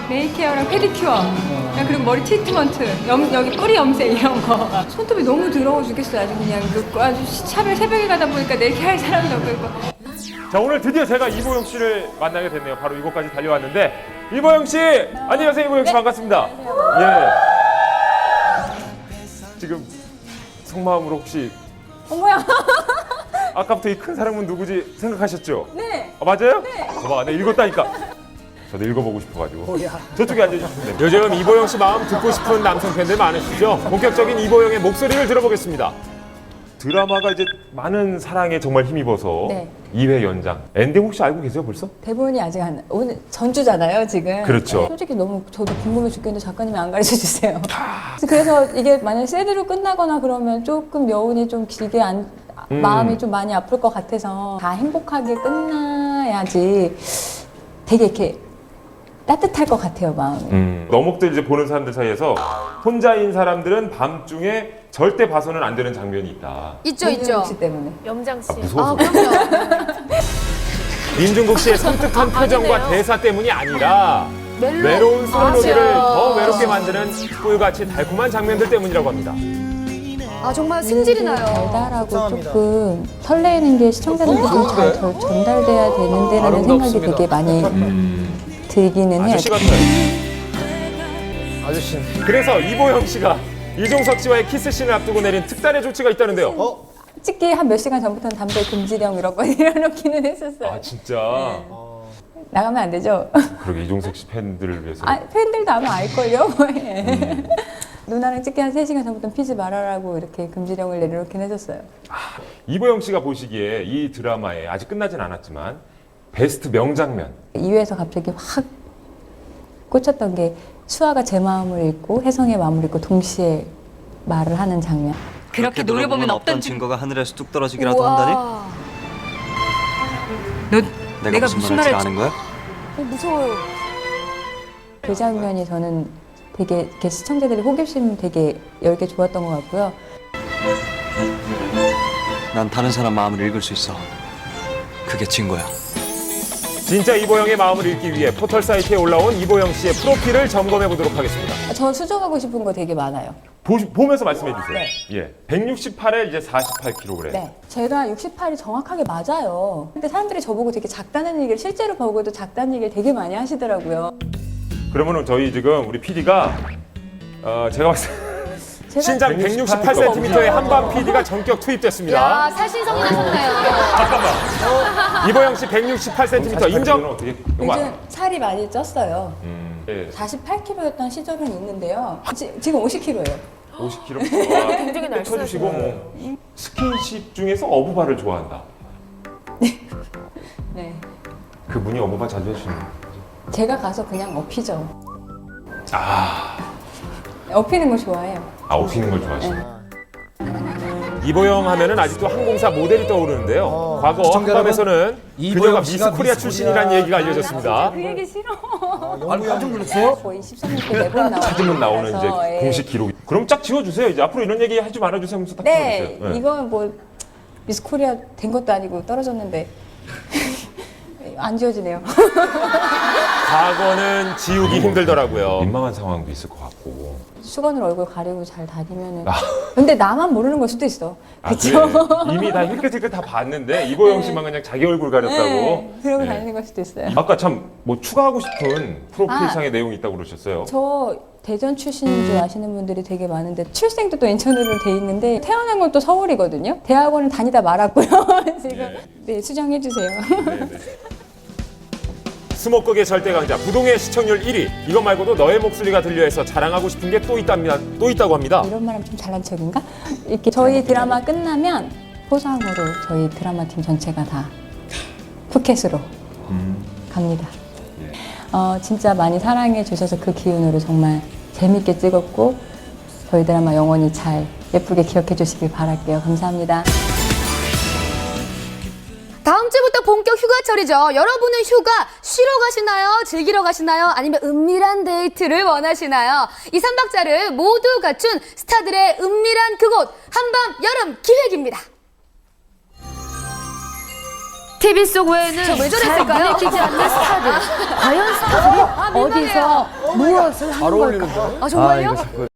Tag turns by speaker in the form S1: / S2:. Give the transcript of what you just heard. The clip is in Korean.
S1: 메이케어랑 페디큐어, 그리고 머리 트리트먼트, 여기 뿌리 염색 이런 거. 손톱이 너무 더러워 죽겠어요. 아주 그냥 아주 샵에 새벽에 가다 보니까 내게 할 사람도 없고.
S2: 자, 오늘 드디어 제가 이보영 씨를 만나게 됐네요. 바로 이곳까지 달려왔는데, 이보영 씨! 안녕하세요, 이보영 씨. 반갑습니다. 예. 지금 속마음으로 혹시
S1: 어머야.
S2: 아까부터 이 큰 사람은 누구지 생각하셨죠?
S1: 네.
S2: 맞아요? 네. 봐봐, 내가 읽었다니까. 저도 읽어보고 싶어가지고. 저쪽에 앉아주시면 됩니다. 요즘 이보영 씨 마음 듣고 싶은 남성 팬들 많으시죠? 본격적인 이보영의 목소리를 들어보겠습니다. 드라마가 이제 많은 사랑에 정말 힘입어서
S1: 네.
S2: 2회 연장. 엔딩 혹시 알고 계세요, 벌써?
S1: 대본이 아직 오늘 전주잖아요, 지금.
S2: 그렇죠.
S1: 솔직히 너무 저도 궁금해 죽겠는데 작가님이 안 가르쳐 주세요. 그래서 이게 만약에 새드로 끝나거나 그러면 조금 여운이 좀 길게 마음이 좀 많이 아플 것 같아서 다 행복하게 끝나야지 되게 이렇게 따뜻할 것 같아요, 마음이.
S2: 너목들 이제 보는 사람들 사이에서 혼자인 사람들은 밤중에 절대 봐서는 안 되는 장면이 있다.
S3: 있죠, 있죠.
S1: 혹시 때문에.
S3: 염장 씨.
S2: 무서워서.
S3: 그럼요.
S2: 민중국 씨의 섬뜩한 표정과
S3: 아니네요.
S2: 대사 때문이 아니라
S3: 멜로.
S2: 외로운 수런놀이를
S3: 맞아요.
S2: 더 외롭게 만드는 꿀같이 달콤한 장면들 때문이라고 합니다.
S3: 아, 정말 승질이 나요.
S1: 달달하고
S4: 감사합니다.
S1: 조금 설레는 게 시청자들한테 좀 잘 전달돼야 되는데라는 생각이
S4: 아름답습니다.
S1: 되게 많이 들기는 해요.
S2: 아저씨 같아요.
S4: 아저씨.
S2: 그래서 이보영 씨가 이종석 씨와의 키스씬을 앞두고 내린 특단의 조치가 있다는데요.
S1: 찍기 한 몇 시간 전부터는 담배 금지령 이런 거 내려놓기는 했었어요.
S2: 아, 진짜.
S1: 나가면 안 되죠?
S2: 그러게 이종석 씨 팬들을 위해서.
S1: 아, 팬들도 아마 알걸요? 누나랑 찍기 한 3시간 전부터 피지 말아라고 이렇게 금지령을 내려놓긴 했었어요.
S2: 이보영 씨가 보시기에 이 드라마에 아직 끝나진 않았지만 베스트 명장면.
S1: 2회에서 갑자기 확 꽂혔던 게 수아가 제 마음을 읽고 혜성의 마음을 읽고 동시에 말을 하는 장면.
S5: 그렇게 노려보면 없던 증거가 하늘에서 뚝 떨어지기라도 한다니?
S3: 우와.
S5: 내가 무슨 말을 잘 아는 거야?
S3: 무서워요.
S1: 그 장면이 저는 되게 이렇게 시청자들이 호기심 되게 열게 좋았던 것 같고요.
S5: 난 다른 사람 마음을 읽을 수 있어. 그게 증거야.
S2: 진짜 이보영의 마음을 읽기 위해 포털 사이트에 올라온 이보영 씨의 프로필을 점검해 보도록 하겠습니다.
S1: 저 수정하고 싶은 거 되게 많아요.
S2: 보면서 말씀해 주세요.
S1: 네.
S2: 예, 168에 이제 48kg.
S1: 네. 제가 68이 정확하게 맞아요. 근데 사람들이 저보고 되게 작다는 얘기를 실제로 보고도 작다는 얘기를 되게 많이 하시더라고요.
S2: 그러면은 저희 지금 우리 PD가 제가 봤을 때 신장 168cm의 한밤 PD가 전격 투입됐습니다.
S3: 야, 살신성이 나셨네요.
S2: 잠깐만. 이보영 씨 168cm 인정? 어떻게?
S1: 요즘 살이 많이 쪘어요.
S2: 예,
S1: 48kg였던 시절은 있는데요. 지금 50kg예요.
S2: 50kg.
S3: 굉장히 날씬하시네요.
S2: 쳐주시고 뭐 스킨십 중에서 어부바를 좋아한다.
S1: 네.
S2: 그분이 어부바 자주 해주시는 거죠?
S1: 제가 가서 그냥 업히죠. 업히는 거 좋아해요.
S2: 업히는 걸 좋아하시네. 이보영 하면은 아직도 항공사 모델이 떠오르는데요. 과거
S4: 시청자
S2: 한밤에서는
S4: 이보영
S2: 그녀가
S4: 씨가
S2: 미스 코리아
S4: 미스
S2: 출신이라는
S4: 코리아
S2: 얘기가 알려졌습니다.
S1: 그 얘기 싫어.
S4: 아니, 깜짝 놀랐어요?
S1: 거의 13년 때 매번 나오는
S2: 찾으면 나오는 이제
S1: 거라서, 예.
S2: 공식 기록. 그럼 짝 지워주세요. 이제 앞으로 이런 얘기 하지 말아주세요 하면서 딱
S1: 네,
S2: 지워주세요. 네.
S1: 이건 뭐 미스 코리아 된 것도 아니고 떨어졌는데 안 지워지네요.
S2: 과거는 지우기 힘들더라고요. 민망한 상황도 있을 것 같고.
S1: 수건으로 얼굴 가리고 잘 다니면은. 근데 나만 모르는 걸 수도 있어. 그쵸?
S2: 그래. 이미 다 힐끗힐끗 다 봤는데 이보영 씨만 그냥 자기 얼굴 가렸다고.
S1: 네, 그러고
S2: 네.
S1: 다니는 걸 수도 있어요.
S2: 아까 참 뭐 추가하고 싶은 프로필상의 내용이 있다고 그러셨어요.
S1: 저 대전 출신인 줄 아시는 분들이 되게 많은데 출생도 또 인천으로 돼 있는데 태어난 건 또 서울이거든요. 대학원을 다니다 말았고요. 지금 네, 수정해 주세요.
S2: 수목극의 절대 강자 부동의 시청률 1위. 이것 말고도 너의 목소리가 들려해서 자랑하고 싶은 게 또 있다고 합니다.
S1: 이런 말하면 좀 잘난 척인가? 이렇게 저희 드라마 끝나면 포상으로 저희 드라마 팀 전체가 다 푸켓으로 갑니다. 진짜 많이 사랑해 주셔서 그 기운으로 정말 재밌게 찍었고 저희 드라마 영원히 잘 예쁘게 기억해 주시길 바랄게요. 감사합니다.
S3: 다음 주부터 본격 휴가철이죠. 여러분은 휴가 쉬러 가시나요? 즐기러 가시나요? 아니면 은밀한 데이트를 원하시나요? 이 3박자를 모두 갖춘 스타들의 은밀한 그곳 한밤 여름 기획입니다. TV 속 외에는 왜 저랬을까요?
S6: 끼지 않는 스타들. 과연 스타들이 어디서 무엇을 하는 걸까?
S3: 아, 정말요?